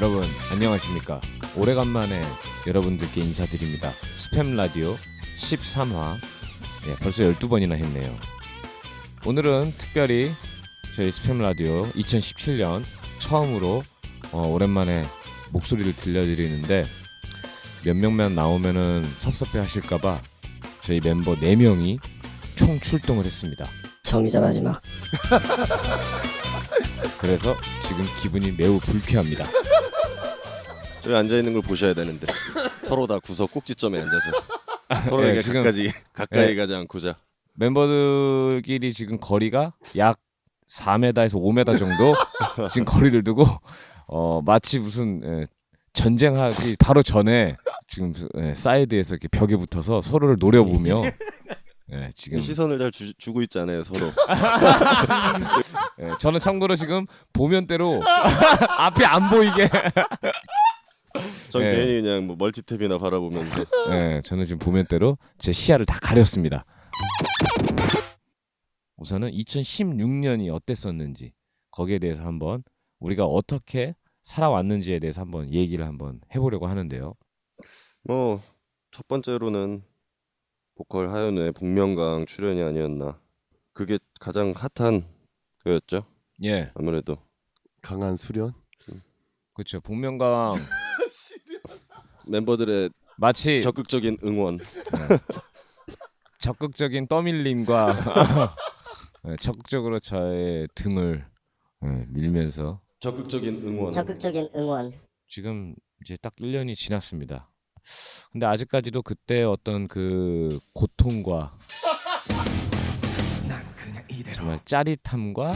여러분 안녕하십니까. 오래간만에 여러분들께 인사드립니다. 스팸 라디오 13화 벌써 12번이나 했네요. 오늘은 특별히 저희 스팸 라디오 2017년 처음으로 오랜만에 목소리를 들려드리는데 몇 명만 나오면은 섭섭해 하실까봐 저희 멤버 4명이 총 출동을 했습니다. 처음이자 마지막. 그래서 지금 기분이 매우 불쾌합니다. 저기 앉아있는 걸 보셔야 되는데 서로 다 구석 꼭지점에 앉아서 서로에게 지금, 가까이 가지 않고자 멤버들끼리 지금 거리가 약 4m에서 5m 정도 지금 거리를 두고 마치 무슨 전쟁하기 바로 전에 지금 사이드에서 이렇게 벽에 붙어서 서로를 노려보며 지금 시선을 잘 주고 있잖아요 서로. 저는 참고로 지금 보면대로 앞이 안 보이게 전 괜히 그냥 뭐 멀티탭이나 바라보면서 저는 지금 보면대로 제 시야를 다 가렸습니다. 우선은 2016년이 어땠었는지 거기에 대해서 한번 우리가 어떻게 살아왔는지에 대해서 한번 얘기를 한번 해보려고 하는데요. 뭐 첫 번째로는 보컬 하현우의 복면가왕 출연이 아니었나. 그게 가장 핫한 거였죠. 예, 아무래도 강한 수련? 그렇죠. 복면가왕 멤버들의 마치 적극적인 응원. 적극적인 떠밀림과 적극적으로 저의 등을 밀면서 적극적인 응원. 적극적인 응원. 지금 이제 딱 1년이 지났습니다. 근데 아직까지도 그때 어떤 그 고통과 정말 짜릿함과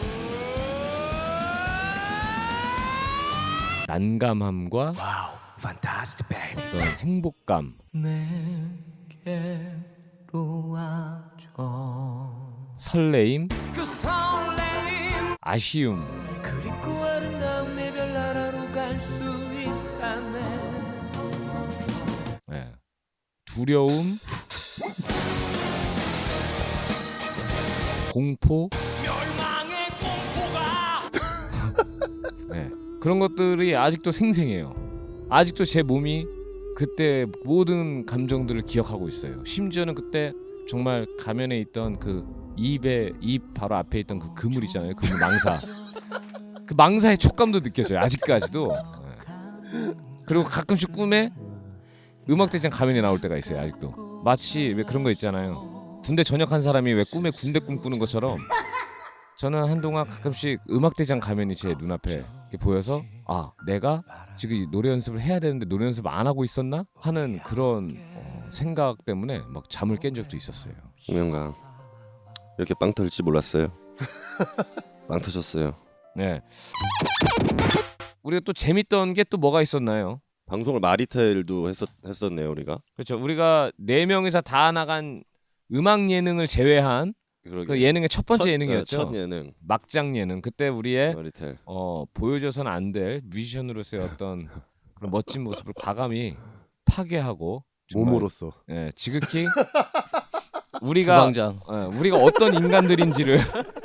난감함과 어떤 행복감, 설레임, 아쉬움, 두려움, 공포, 그런 것들이 아직도 생생해요. 아직도 제 몸이 그때 모든 감정들을 기억하고 있어요. 심지어는 그때 정말 가면에 있던 그 입 바로 앞에 있던 그 그물 있잖아요. 그물 망사. 그 망사의 촉감도 느껴져요. 아직까지도. 그리고 가끔씩 꿈에 음악대장 가면이 나올 때가 있어요. 아직도. 마치 왜 그런 거 있잖아요. 군대 전역한 사람이 왜 꿈에 군대 꿈꾸는 것처럼 저는 한동안 가끔씩 음악대장 가면이 제 눈앞에 이렇게 보여서 내가 지금 노래 연습을 해야 되는데 노래 연습을 안 하고 있었나? 하는 그런 생각 때문에 막 잠을 깬 적도 있었어요. 복면가왕 이렇게 빵 터질지 몰랐어요. 빵 터졌어요. 네. 우리가 또 재밌던 게 또 뭐가 있었나요? 방송을 마리텔도 했었네요 우리가. 그렇죠. 우리가 4명이서 다 나간 음악 예능을 제외한 그 예능의 첫 번째 예능이었죠. 첫 예능. 막장 예능. 그때 우리의 마리텔. 보여줘서는 안 될 뮤지션으로서의 어떤 그런 멋진 모습을 과감히 파괴하고 정말, 몸으로써. 지극히 우리가 우리가 어떤 인간들인지를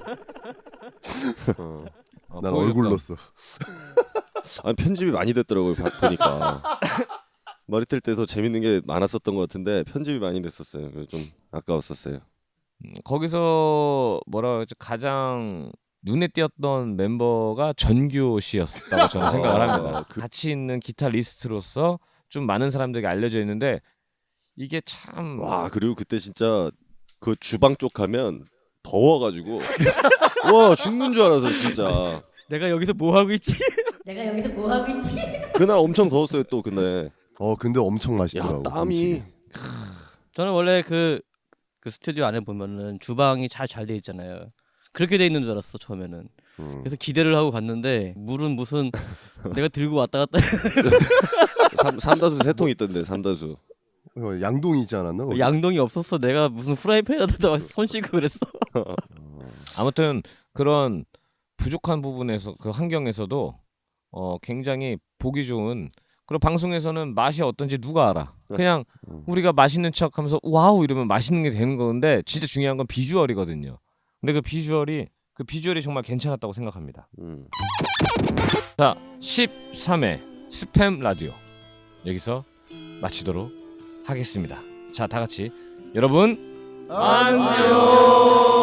난 보여줬던. 얼굴로써. 아니 편집이 많이 됐더라고요 보니까. 마리텔 때 더 재밌는 게 많았었던 것 같은데 편집이 많이 됐었어요. 그래서 좀 아까웠었어요. 거기서 뭐라 그러죠? 가장 눈에 띄었던 멤버가 전규 씨였다고 저는 생각을 합니다. 같이 있는 기타리스트로서 좀 많은 사람들에게 알려져 있는데 이게 참 와 그리고 그때 진짜 그 주방 쪽 가면 더워가지고 와 죽는 줄 알아서 진짜. 내가 여기서 뭐 하고 있지? 내가 여기서 뭐 하고 있지? 그날 엄청 더웠어요 또 그날. 근데 엄청 맛있더라고. 야 땀이. 저는 원래 그 스튜디오 안에 보면은 주방이 잘 돼 있잖아요. 그렇게 돼 있는 줄 알았어 처음에는. 그래서 기대를 하고 갔는데 물은 무슨 내가 들고 왔다 갔다 삼다수 3통 있던데 삼다수. 양동이지 않았나? 거기? 양동이 없었어. 내가 무슨 프라이팬에다가 손 씻고 그랬어. 아무튼 그런 부족한 부분에서 그 환경에서도 굉장히 보기 좋은 그런 방송에서는 맛이 어떤지 누가 알아. 그냥 우리가 맛있는 척하면서 와우 이러면 맛있는 게 되는 건데 진짜 중요한 건 비주얼이거든요. 근데 그 비주얼이 그 그 비주얼이 정말 괜찮았다고 생각합니다. 자, 13회 스팸 라디오 여기서 마치도록 하겠습니다. 자, 다 같이 여러분 안녕.